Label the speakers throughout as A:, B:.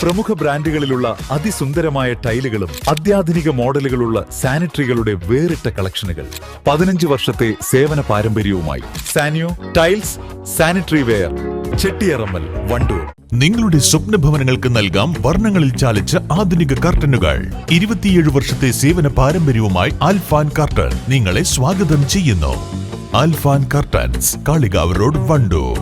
A: പ്രമുഖ ബ്രാൻഡുകളിലുള്ള അതിസുന്ദരമായ ടൈലുകളും അത്യാധുനിക മോഡലുകളുള്ള സാനിറ്ററികളുടെ വേറിട്ട കളക്ഷനുകൾ. 15 വർഷത്തെ സേവന പാരമ്പര്യവുമായി Saniyo tiles, sanitary ware, Chettiyarammal, Wandoor.
B: നിങ്ങളുടെ സ്വപ്ന ഭവനങ്ങൾക്ക് നൽകാം വർണ്ണങ്ങളിൽ ചാലിച്ച ആധുനിക കർട്ടനുകൾ. 27 വർഷത്തെ സേവന പാരമ്പര്യവുമായി ആൽഫാൻ കർട്ടൻ നിങ്ങളെ സ്വാഗതം ചെയ്യുന്നു. Alphan curtains, Kalikavu road, Wandoor.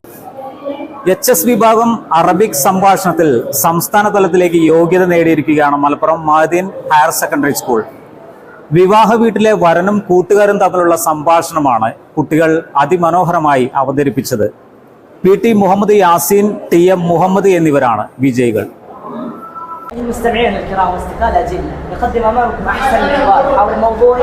C: HS വിഭാഗം അറബിക് സംഭാഷണത്തിൽ സംസ്ഥാന തലത്തിലേക്ക് യോഗ്യത നേടിയിരിക്കുകയാണ് Malappuram Maadin higher secondary school. വിവാഹ വീട്ടിലെ വരനും കൂട്ടുകാരും തമ്മിലുള്ള സംഭാഷണമാണ് കുട്ടികൾ അതിമനോഹരമായി അവതരിപ്പിച്ചത്. PT മുഹമ്മദ് യാസീൻ, TM മുഹമ്മദ് എന്നിവരാണ് വിജയികൾ.
D: المستمعين الكرام واصدقاء الأجلة، نقدم أمامكم أحسن حوار حول موضوع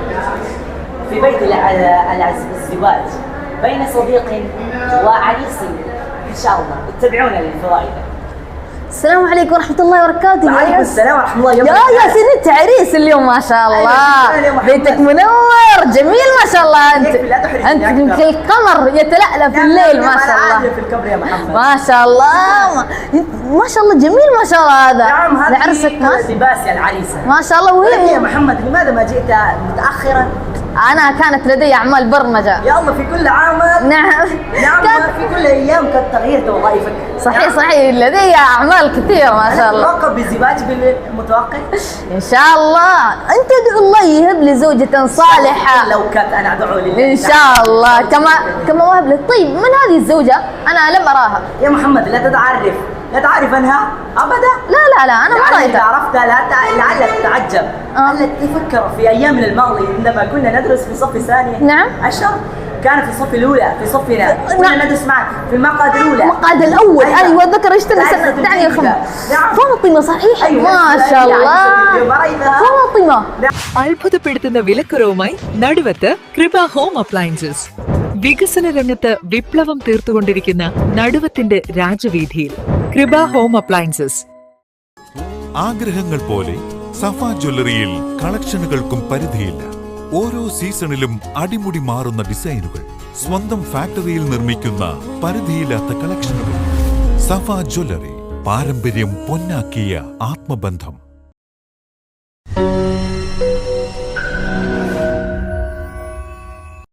D: في بيت الزواج بين صديق وعريس. إن شاء الله اتبعونا للفوائد.
E: السلام عليكم ورحمة الله وبركاته.
D: وعليكم السلام ورحمة الله
E: وبركاته. يا ياسين انت عريس اليوم ما شاء الله. بيتك منور جميل ما شاء الله. انت كالقمر يتلألأ في الليل ما شاء الله.
D: في الكبر يا محمد.
E: ما شاء الله ما شاء الله جميل ما شاء الله. هذا
D: نعم هذا
E: لعرسك
D: لباس يا العريسة
E: ما شاء الله. وهي
D: يا محمد لماذا ما جئت متأخرا؟
E: أنا كانت لدي أعمال برمجة.
D: يا الله في كل عام.
E: نعم
D: في كل أيام قد تغيرت وظائفك.
E: صحيح صحيح لدي أعمال كثيرة ما شاء الله.
D: ترقب بالزواج بالمتوقع؟
E: إن شاء الله. أنت ادعو الله يهب لي زوجة صالحة.
D: لو كانت أنا أدعو لله
E: إن شاء الله. كما وهب لي. طيب من هذه الزوجة؟ أنا لم أراها.
D: يا محمد لا تعرف عنها أبدا.
E: لا أنا ما رأيتها.
D: إذا عرفتها لعلك تتعجب. هل تفكر في أيامنا الماضية عندما كنا ندرس في صف ثاني؟
E: نعم.
D: عشر كان في الصف الأولى في صفنا كنا ندرس معا في المقعد الأولى.
E: المقعد الأول أيوة ذكر اشتري سنة يعني فاطمة صحيح. ما شاء الله فاطمة.
F: അത്ഭുതപ്പെടുത്തുന്ന വിലക്കുറവുമായി നടുവത്ത് കൃപ ഹോം അപ്ലയൻസസ്. വികസന രംഗത്ത് വിപ്ലവം തീർത്തുകൊണ്ടിരിക്കുന്ന നടുവത്തിന്റെ രാജവീഥിയിൽ കൃപ ഹോം അപ്ലയൻസസ്.
B: ആഗ്രഹങ്ങൾ പോലെ സഫ ജ്വല്ലറിയിൽ കളക്ഷനുകൾക്കും പരിധിയില്ല. ഓരോ സീസണിലും അടിമുടി മാറുന്ന ഡിസൈനുകൾ, സ്വന്തം ഫാക്ടറിയിൽ നിർമ്മിക്കുന്ന പരിധിയില്ലാത്ത കളക്ഷനുകൾ. സഫ ജ്വല്ലറി, പാരമ്പര്യം പൊന്നാക്കിയ ആത്മബന്ധം.